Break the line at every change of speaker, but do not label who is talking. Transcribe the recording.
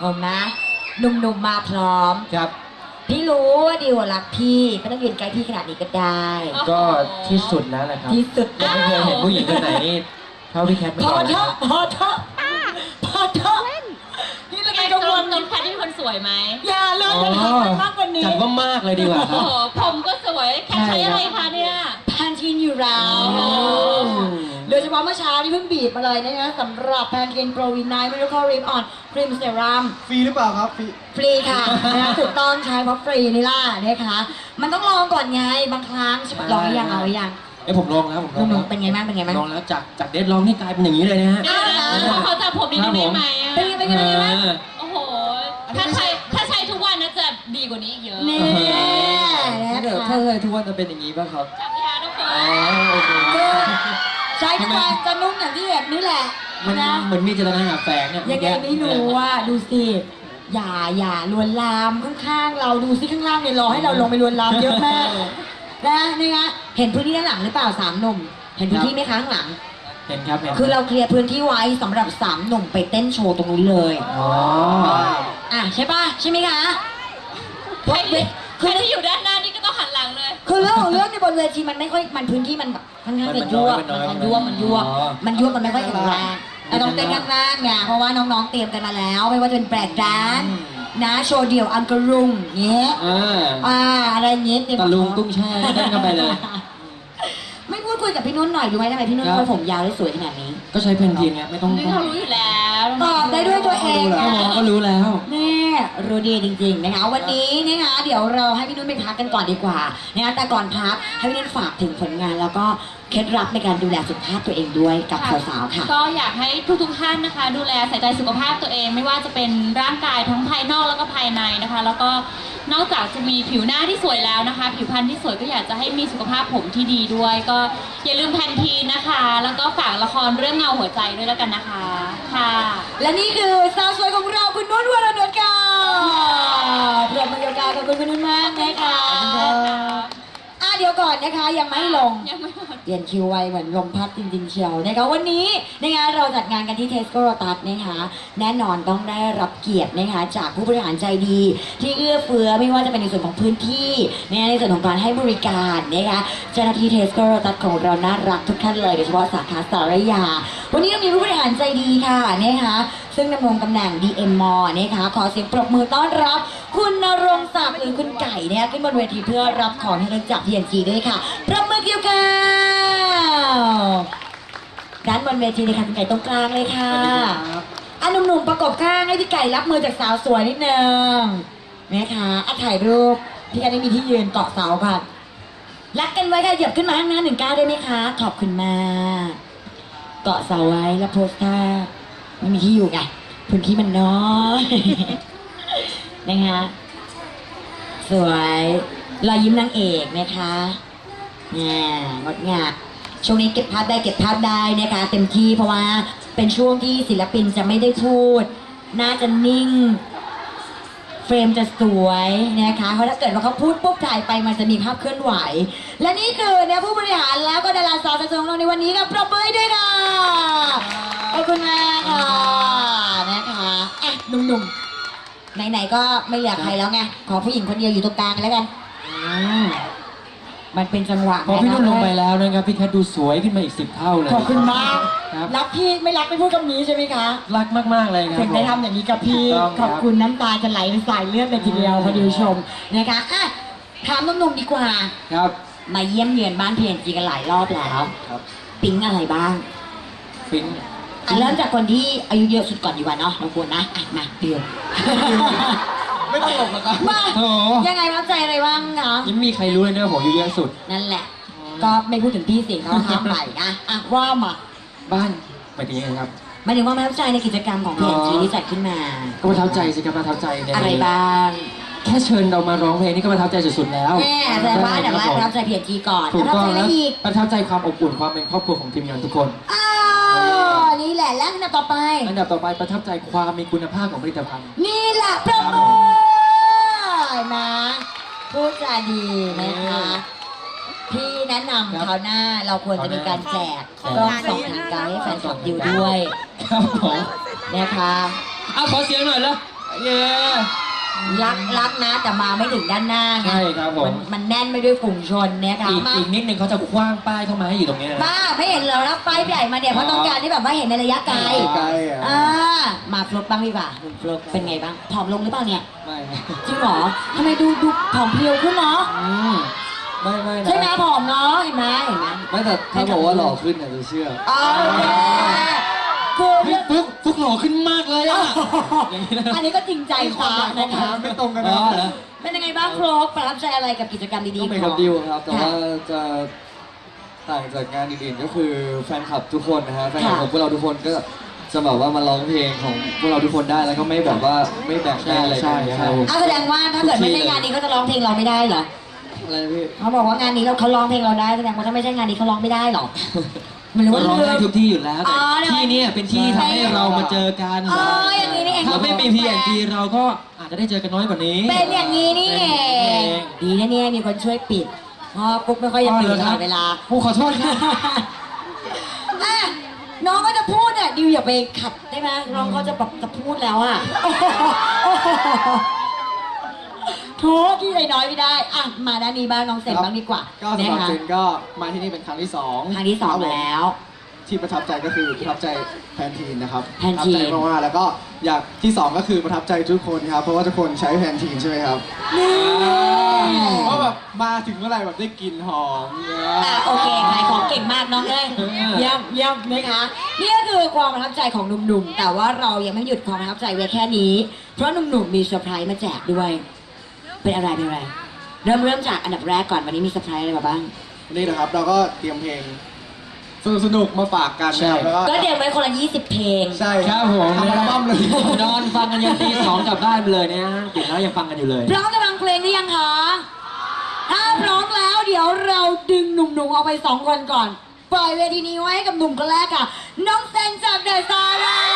ผมนะหนุ่มๆมาพร้อม
ครับ
พี่รู้ว่าดิวรักพี่ไม่ต้องยืนใกล้พี่ขนาดนี้ก็ได้
ก็ที่สุดแล้วนะครับ
ที่สุด
ยังไม่เคยเห็นผู้หญิงคนไหนนี่เท่าพี่แคทมา
พอ
ก่อน
เถอะพอเถอะพอเถอะนี่เรา
แก
เป็นกังวล
น้องแพทที่เป็นคนสวยไหม
อย่าเลยมันทำมันมากกว่านี้
จัดว่ามากเลยดีกว่าค
โอ้
รับ
โหผมก็สวยแค่ใช้อะไรคะเนี่ย
พันทีนอยู่แล้ว
โอ้
โดยเฉพาะเมื่อเช้านี่เพิ่งบีบมาเลยนะคะสำหรับแพนทีนโปรวินไนท์มิราเคิลริปออนครีมเซรั่ม
ฟรีหรือเปล่าครับฟรี
ฟรีค่ะนะถูกต้องใช้เพราะฟรีนี่ล่ะนะคะมันต้องลองก่อนไงบางครั้งลองหรือยังเอาหรือยัง
เอ้ยผมลองแล้วผมลอง
หนุ่
แล้
ม
ว
ๆเป็นไงบ้างเป็นไงบ้าง
ลองแล้วจากเดดลองนี่กลายเป็นอย่างนี้เลยนะฮะ
เดี๋ยวนะเขาจะผมดีได้ไหมอะ
เป็นไงเป็นไงเป็นไงบ้าง
โอ้โห ถ้าใช้ทุกวันนะจะดีกว่านี้อีกเยอะ
นี่
ถ้า
นะ
เกิด
คะ
ถ้าเคยทุกวันจะเป็นอย่างนี้ป่ะครับ
จับยาทุกคน
อ๋อโอเค
คือใช้ทุกวันจะนุ่มอย่างที่เห็นนี่แหละ
มัน
นะ
เหมือนมีเจตนาแฝงเนี่ย
ยังไงไม่รู้ว่าดูสิอย่าลวนลามข้างๆเราดูสิข้างล่างเนี่ยรอให้เราลงไปลวนลามเยอะมากนะนี่ไงเห็นพื้นที่ด้านหลังหรือเปล่าสามหนุ่มเห็นพื้นที่ไหมคะข้างหลัง
เห็นครับเห็น
คือเราเคลียร์พื้นที่ไว้สำหรับสามหนุ่มไปเต้นโชว์ตรงนู้นเลย
อ๋อ
ใช่ป่ะใช่ไหมคะ
ใครที่อยู่ด้านหน้านี่ก็ต้องหันหลังเลย
คือเรื่องของเรื่องในบนเวทีมันไม่ค่อยมันพื้นที่มันแบบค่อนข้างจะยั่วมันยั่วมันไม่ค่อยแข็งแรงแต่ต้องเต้นข้างล่างไงเพราะว่าน้องๆเตรียมกันมาแล้ว ไม่ว่าจะเป็นแปลกดานนะโชว์เดี่ยวอังกะรุงเงี้ยอะไรเงี้ยเตรียม
ตะลุงตุ้งแช่เต้นกันไปเลย
ไม่พูดคุยกับพี่นุ่นหน่อยดูไหมทำไมพี่นุ่นเขาผมยาวได้สวยขนาดนี้
ก็ใช้เพนทีนไงไม่ต้อง
นี่เรารู้อยู่แล้ว
ตอบได้ด้วยตัวเอง
ก็
นะ
มองก็รู้แล้ว
แน่รู้ดีจริงๆนะคะวันนี้นะคะเดี๋ยวเราให้พี่นุ่นไปพักกันก่อนดีกว่านะคะแต่ก่อนพักให้พี่นุ่นฝากถึงผลงาน แล้วก็เคล็ดลับในการดูแลสุขภาพตัวเองด้วยกับสาวๆค่ะ
ก็อยากให้ทุกท่านนะคะ ดูแลใส่ใจสุขภาพตัวเอง ไม่ว่าจะเป็นร่างกายทั้งภายนอกแล้วก็ภายในนะคะ แล้วก็นอกจากจะมีผิวหน้าที่สวยแล้วนะคะ ผิวพรรณที่สวยก็อยากจะให้มีสุขภาพผมที่ดีด้วย ก็อย่าลืมแพนทีนนะคะ แล้วก็ฝากละครเรื่องเงาหัวใจด้วยแล้วกันนะคะค่ะ
และนี่คือสาวสวยของเราคุณนุ่นวรนุชค่ะปรบมือยาวๆกับคุณนุ่นมากนะคะเดี๋ยวก่อนนะคะยังไม่ลง
ยังไม่หมด
เปลี่ยนคิวไวเหมือนลมพัดจริงๆเชียวนะคะวันนี้นะคะเราจัดงานกันที่เทสโกโรตัสนะคะแน่นอนต้องได้รับเกียรตินะคะจากผู้บริหารใจดี ที่เอื้อเฟื้อไม่ว่าจะเป็นในส่วนของพื้นที่ในส่วนของการให้บริการนะคะเจ้าหน้าที่เทสโกโรตัสของเราน่ารักทุกท่านเลยโดยเฉพาะสาขาสารยาวันนี้เรามีผู้บริหารใจดีค่ะนะคะซึ่งดำรงตำแหน่ง DM มนะคะขอเสียงปรบมือต้อนรับคุณณรงค์ศักดิ์หรือคุณไก่นะคะขึ้นบนเวทีเพื่อรับของที่ระลึกจาก TNG ด้วยค่ะปรบมือเกี่ยวกันด้านบนเวทีเลยค่ะคุณไก่ตรงกลางเลยค่ะหนุ่มๆประกบข้างให้พี่ไก่รับมือจากสาวสวยนิดนึงนะคะถ่ายรูปพี่ไก่ได้มีที่ยืนเกาะเสาค่ะรักกันไว้ค่ะเหยียบขึ้นมาข้างหน้า19ได้ไหมคะขอบคุณมากเกาะเสาไว้แล้วโพสท่าไม่มีที่อยู่ไงพื้นที่มันน้อยนะคะสวยรอยยิ้มนางเอกนะคะงดงามช่วงนี้เก็บภาพได้เก็บภาพได้นะคะเต็มที่เพราะว่าเป็นช่วงที่ศิลปินจะไม่ได้พูดน่าจะนิ่งเฟรมจะสวยนะคะเพราะถ้าเกิดว่าเขาพูดปุ๊บถ่ายไปมันจะมีภาพเคลื่อนไหวและนี่คือเนี่ยผู้บริหารแล้วก็ดาราสาวสวยของเราในวันนี้กับปรบมือให้ด้วยค่ะขอบคุณมากค่ะนะคะหนุ่มๆไหนๆก็ไม่อยากใครแล้วไงขอผู้หญิงคนเดียวอยู่ตรงกลางแล้วกันมันเป็นจังหวะ
พอพี่นุ่นลงไปแล้วนะครับพี่แคทดูสวยขึ้นมาอีก10 เท่าเลย
ขอบคุณมาก
ครับ
รักพี่ไม่รักไม่พูดคำนี้ใช่ไหมคะ
รักมากๆเลยครับ
ถึงได้ทำอย่างนี้กับพี่
ถูกต้อง
ข
ครับ
อบคุณน้ำตาจะไหลเป็นสายเลือดเลยทีเดียวพอดีชมนะคะถามหนุ่มๆดีกว่า
ครับ
มาเยี่ยมเยือนบ้านเพียนจีกันหลายรอบแล้ว
ครับ
ปิ๊งอะไรบ้าง
ฟิน
เริ่มจากคนที่อายุเยอะสุดก่อนดีกว่าเนาะเราควรนะมาเดียว
ไม่ตลกหรอกครับ
มา
โอ้โห
ยังไงรับใจอะไรบ้างคะ
ยังไม่มีใครรู้เลยนะผมอยู่เยอะสุด
นั่นแหละ ก็ไม่พูดถึงพี่สิงเขาห้ามไปนะว่ามา
บ้านหมายถึงยังไงครับ
หมายถึงว่าประทับใจในกิจกรรมของเพียนจีที่จัดขึ้นมา
ก็ประทับใจสิครับประทับใจใน
อะไรบ้าง
แค่เชิญเรามาร้องเพลงนี่ก็ประทับใจสุดๆแล้ว
แม่แต่ว่าเดี๋ยวว่าประทับใจเพียนจีก่อน
ถู
ป
ก
ระทับ
ต้อง
ใจอะไร
แล้ว
อีก
ประทับใจความอบอุ่นความเป็นครอบครัวของทีมงานทุกคน
นี่แหละแล้วอันดับต่อไป
อันดับต่อไปประทับใจความมีคุณภาพของผลิตภัณฑ์
นี่แหละประมือนะพูดจาดีนะคะพี่แนะนำคราวหน้าเราควรจะมีการแจกกล้องส่องทางไกลให้แฟนคลับดูด้วย
ครับผม
นะคะ
เอาขอเสียงหน่อยแล้วเย้
รักนะแต่มาไม่ถึงด้านหน้าไง
ใช่ครับผม
มันแน่นไปด้วยฝูงชนเนี่ยค่ะมา
อีกนิดนึงเขาจะคว้างป้ายเข้ามาให้อยู่ตรงนี้นะ
บ้าไม่เห็นเหรอนะป้ายใหญ่มาเนี่ยเพราะต้องการที่แบบว่าเห็นในระยะไกล
ไกลอ่ะ
มาฟลุกบ้างดีกว่าคุณฟลุกเป็นไงบ้างผอมลงหรือเปล่าเนี่ย
ไม่นะ
จริงเหรอทำไมดูผอมเพรียวขึ้นเนาะ
ไม่นะ
ใช่ไหมผอมเนาะเห็นไหม
ไม่แต่ถ้าบอกว่าหล่อขึ้นเนี่ยจะเชื่อ
อ๋อคือเรื่อง
ฟุกหล่อขึ้นมากเลยอ่ะอย่างนี้นะ
อันนี้ก็จริงใจกว่านะคะ
ไม่ตรงกัน
อ๋
นะ
อเหรอ
เป็นยังไงบ้างโครกประทับใจอะไรกับกิจกรรมดี
ก็
ๆ
เหมือน
ข
กั
อบ ง
ดิวครับ แต่ว่าจะต่างจากงานอื่นๆก็คือแฟนคลับทุกคนนะฮะแฟนคลับของพวกเราทุกคนก็จะแบบว่ามาร้องเพลงของพวกเราทุกคนได้แล้วก็ไม่แบบว่าไม่แบ่งได้อะไรกันนะครับผม
แสดงว่าถ้าเกิดไม่ใช่งานนี้เขาจะร้องเพลงเราไม่ได้เหรอ
อะไรนะพี่
เขาบอกว่างานนี้เขาร้องเพลงเราได้แสดงว่าถ้าไม่ใช่งานนี้เขาร้องไม่ได้เหรอมันรู้
ก็
ว่า
ร้อง
เรื่
ได้
อง
ทุกที่อยู่แล้ว
อ๋
แต่
อ
ที่เนี่ยเป็นที่ทำให้เรามาเจอกัน
อ๋ออย่างนี้นี่เอง
ถ้าไม่มี P&G เราก็อาจจะได้เจอกันน้อยกว่านี้
เป็นอย่างนี้นี่เองดีนะเนี่ยมีคนช่วยปิดเพราะปุ๊กไม่ค่อยจะตื่นตลอดเวลา
ผู้ขอโทษครับ
อ่ะน้องก็จะพูดอ่ะดิวอย่าไปขัดได้ไหมน้องเขาจะแบบจะพูดแล้วอ่ะโทษที่ใจน้อยไม่ได้อ่ะมาด้านนี้บ้างน้องเสร็จบ้างดีกว่า
ก็สำหรับ
นะคะ
เจนก็มาที่นี่เป็นครั้งที่สอง
ครั้งที่สองแล้ว
ที่ประทับใจก็คือประทับใจแพนทีนนะครับ
แพนทีน
ประทับใจมากๆแล้วก็อยากที่สองก็คือประทับใจทุกคนครับเพราะว่าทุกคนใช้แพนทีนใช่ไหมครับเพราะแบบมาถึงเมื่อไหร่แบบได้กลิ่นหอมเนี่ย
โอเคขายของเก่งมากน้องเอ้ยเยี่ยมนะคะนี่ก็คือความประทับใจของหนุ่มๆแต่ว่าเรายังไม่หยุดความประทับใจไว้แค่นี้ เพราะหนุ่มๆมีเซอร์ไพรส์มาแจกด้วย เป็นอะไรเริ่มจากอันดับแรกก่อนวันนี้มีเซอร์ไพรส์อะไรมาบ้าง
นี่นะครับเราก็เตรียมเพลงสนุกๆมาฝากกันนะครับแล้วก็
ก็เดี๋ยวไว้คนละ20 เพลง
ใช่
ครับผม
ทำอัลบั้มเลย
นอนฟังกันยันตีสองกลับบ้านไปเลยเนี่ยตื่นแล้วยังฟังกันอยู่เลย
พร้อมจะฟังเพลงหรือยังคะ ถ้าพร้อมแล้วเดี๋ยวเราดึงหนุ่มๆเอาไป2 คนก่อน ปล่อยเวทีนี้ไว้ให้กับหนุ่มคนแรกค่ะ น้องเซนจากเดอะสตาร์